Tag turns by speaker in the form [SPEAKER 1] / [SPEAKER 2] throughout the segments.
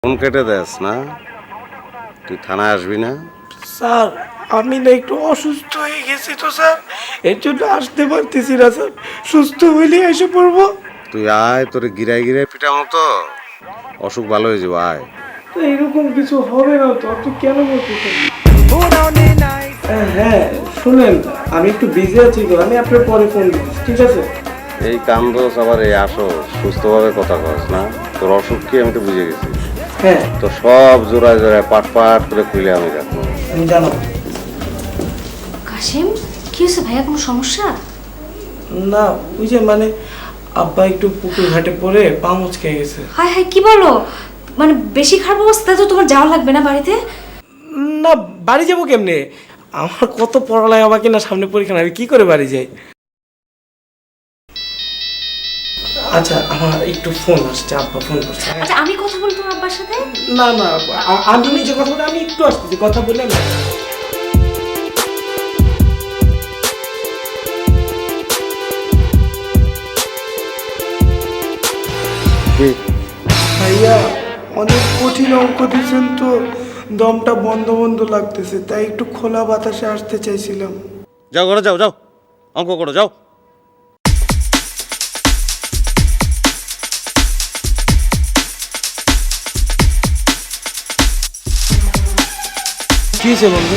[SPEAKER 1] Phone কেটে দেস না, তুই থানায় আসবি না?
[SPEAKER 2] স্যার আমি না একটু অসুস্থ হয়ে গেছি তো স্যার, এর জন্য আসতে পারতেছি না স্যার। সুস্থ হইলে এসে পড়বো।
[SPEAKER 1] তুই আয়, তোরে গিরাই গিরাই পিটামো তো, অসুখ ভালো হয়ে যাবো, আয়।
[SPEAKER 2] তো এরকম কিছু হবে না তো, আপনি কেন বলতেছেন? হ্যাঁ শুনেন, আমি একটু বিজি আছি তো, আমি আপনার পরে ফোন দিচ্ছি, ঠিক আছে?
[SPEAKER 1] এই কান্দোস আবার এই আসো, সুস্থভাবে কথা কস না, তোর অসুখ কি আমি তো বুঝে গেছি।
[SPEAKER 2] হ্যাঁ
[SPEAKER 1] তো সব জোড়ায় জোড়ায় পাট পাট করে খুলে আমি রাখবো।
[SPEAKER 2] আমি জানো।
[SPEAKER 3] কাশিম, কি হয়েছে ভাইয়া, কোনো সমস্যা?
[SPEAKER 2] না ওই যে মানে আব্বা একটু পুকুর ঘাটে পড়ে পা মুচকে গেছে।
[SPEAKER 3] হায় হায়, কি বলো? মানে বেশি খারাপ অবস্থা তো তোমার যাওয়া লাগবে না বাড়িতে?
[SPEAKER 2] না বাড়ি যাবো কেমনে, আমার কত পড়ালেখা বাকি না, সামনে পরীক্ষা, আমি কি করে বাড়ি যাই? আচ্ছা আমার একটু ফোন আসছে, আব্বা ফোন করছে।
[SPEAKER 3] আচ্ছা আমি কথা বলি তোমার আব্বার সাথে।
[SPEAKER 2] না না আমি নিজে কথা বলে, আমি একটু আসতেছি, কথা বলে না।
[SPEAKER 1] কি?
[SPEAKER 2] ভাইয়া অনেক কঠিন অঙ্ক দিয়েছেন তো, দমটা বন্ধ বন্ধ লাগতেছে, তাই একটু খোলা বাতাসে আসতে চাইছিলাম।
[SPEAKER 1] যাও ঘরে যাও, যাও অঙ্ক করো, যাও।
[SPEAKER 2] কি হয়েছে বন্ধু?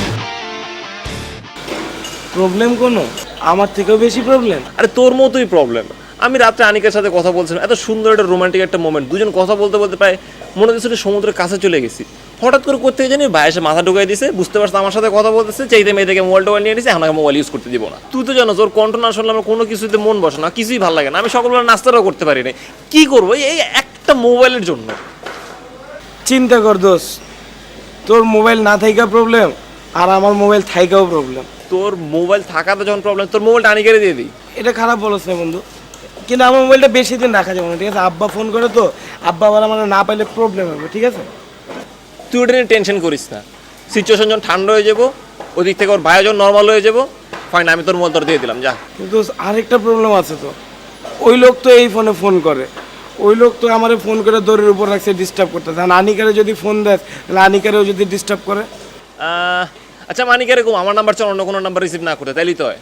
[SPEAKER 2] প্রবলেম কোনো? আমার থেকেও বেশি প্রবলেম?
[SPEAKER 4] আরে তোর মতোই প্রবলেম। আমি রাত্রে আনিকার সাথে কথা বলছিলাম, এত সুন্দর একটা রোমান্টিক একটা মোমেন্ট, দুজন কথা বলতে বলতে প্রায় মনে হচ্ছে সমুদ্রের কাছে চলে গেছি। হঠাৎ করে করতে জানি ভাই এসে মাথা ঢুকাই দিছে, বুঝতে পারছে আমার সাথে কথা বলতেছে, চাইতে মেয়ে থেকে মোবাইল টোবাইল নিয়ে নিছে, এখন আমাকে মোবাইল ইউজ করতে দিব না। তুই তো জানো ওর কণ্ঠ না শুনলে আমার কোনো কিছুতে মন বসে না, কিছুই ভালো লাগে না। আমি সকালবেলা নাস্তাটাও করতে পারি না, কি করবো এই একটা মোবাইলের জন্য।
[SPEAKER 2] চিন্তা কর দোষ, তোর মোবাইল না থাইকা প্রবলেম, আর আমার মোবাইল থাইকাও প্রবলেম।
[SPEAKER 4] তোর মোবাইল থাকাতে যখন প্রবলেম, তোর মোবাইলটা আনিকারে দিয়ে দিই।
[SPEAKER 2] এটা খারাপ বলছ না বন্ধু, কিন্তু আমার মোবাইলটা বেশি দিন রাখা যাবে না, ঠিক আছে? আব্বা ফোন করে তো, আব্বা আবার আমার না পাইলে প্রবলেম হবে, ঠিক আছে?
[SPEAKER 4] তুই ওটা নিয়ে টেনশন করিস না, সিচুয়েশন যখন ঠান্ডা হয়ে যাবো, ওদিক থেকে ওর ভাইয়া যখন নর্মাল হয়ে যাবো, ফাইন আমি তোর মোবাইল তোর দিয়ে দিলাম, যা।
[SPEAKER 2] কিন্তু আরেকটা প্রবলেম আছে তো, ওই লোক তো এই ফোনে ফোন করে, ওই লোক তো আমারে ফোন করে দড়ির উপর রাখছে, ডিস্টার্ব করতেছে। আর আনিকারে যদি ফোন দেয়, তাহলে আনিকারেও যদি ডিস্টার্ব করে।
[SPEAKER 4] আচ্ছা মানিক এরকম আমার নাম্বার চাল অন্য কোনো নাম্বার রিসিভ না করে, তাইলেই তো হয়।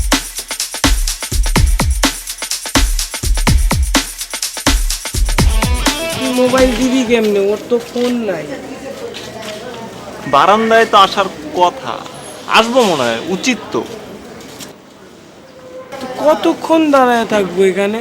[SPEAKER 2] মোবাইল দিবি কেমনে, ওর তো ফোন নাই।
[SPEAKER 4] বারান্দায় তো আসার কথা, আসবো মনে হয়, উচিত তো।
[SPEAKER 2] তো কতক্ষণ দাঁড়ায় থাকবো এখানে?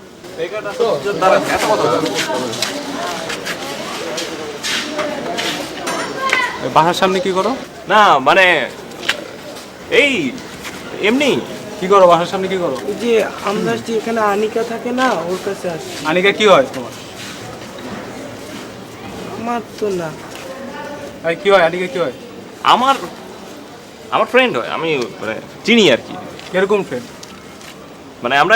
[SPEAKER 5] বাসার সামনে কি করো?
[SPEAKER 4] না মানে এই এমনি।
[SPEAKER 5] কি করো বাসার সামনে কি করো?
[SPEAKER 2] ওই যে আমরা যে এখানে আনিকা থাকে না, ওর কাছে আসি।
[SPEAKER 5] আনিকা কি হয় তোমার?
[SPEAKER 2] আমার তো না।
[SPEAKER 5] আর কি হয় আনিকা কি হয়?
[SPEAKER 4] আমার আমার ফ্রেন্ড হয়, আমি মানে চিনি আর কি।
[SPEAKER 5] কিরকম ফ্রেন্ড?
[SPEAKER 4] মানে আমরা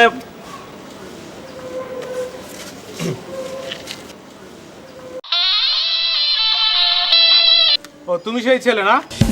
[SPEAKER 5] ও তুমি সেই ছেলে না?